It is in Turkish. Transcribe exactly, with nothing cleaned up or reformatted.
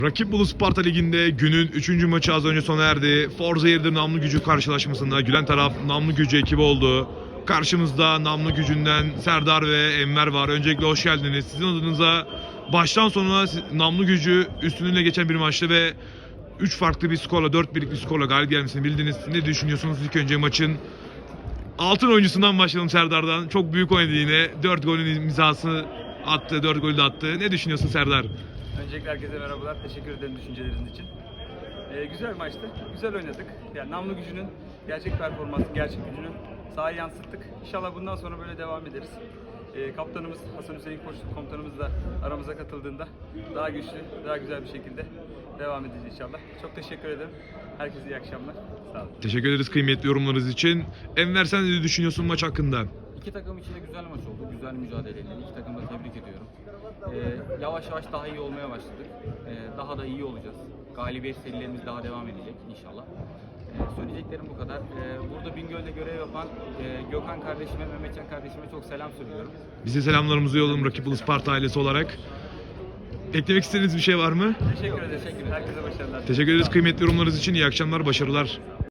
Rakip Bolu Sparta Ligi'nde günün üçüncü maçı az önce sona erdi. Forza Yerdir Namlı Gücü karşılaşmasında gülen taraf Namlı Gücü ekibi oldu. Karşımızda Namlı Gücü'nden Serdar ve Enver var. Öncelikle hoş geldiniz. Sizin adınıza baştan sona Namlı Gücü üstünlüğüne geçen bir maçtı ve üç farklı bir skorla, dört birlik bir skorla galip gelmesini bildiniz. Ne düşünüyorsunuz ilk önce maçın? Altın oyuncusundan başlayalım, Serdar'dan. Çok büyük oynadı yine. dört golün imzası attı, dört golü de attı. Ne düşünüyorsun Serdar? Öncelikle herkese merhabalar. Teşekkür ederim düşünceleriniz için. Ee, güzel maçtı. Güzel oynadık. Yani Namlı Gücü'nün gerçek performansı, gerçek gücünü sahaya yansıttık. İnşallah bundan sonra böyle devam ederiz. Ee, kaptanımız Hasan Hüseyin Koç komutanımız da aramıza katıldığında daha güçlü, daha güzel bir şekilde devam edeceğiz inşallah. Çok teşekkür ederim. Herkese iyi akşamlar. Sağ olun. Teşekkür ederiz kıymetli yorumlarınız için. Enver, sen ne düşünüyorsun maç hakkında? İki takım için de güzel maç oldu. Güzel mücadeleydi. İki takımı da tebrik ediyorum. Ee, yavaş yavaş daha iyi olmaya başladık. Ee, daha da iyi olacağız. Galibiyet serilerimiz daha devam edecek inşallah. Ee, söyleyeceklerim bu kadar. Ee, burada Bingöl'de görev yapan e, Gökhan kardeşime, Mehmetcan kardeşime çok selam söylüyorum. Bize selamlarımızı yollayalım Rakip Bolu Sparta ailesi olarak. Eklemek istediğiniz bir şey var mı? Teşekkür ederim. Herkese başarılar. Teşekkür ederiz kıymetli yorumlarınız için. İyi akşamlar, başarılar.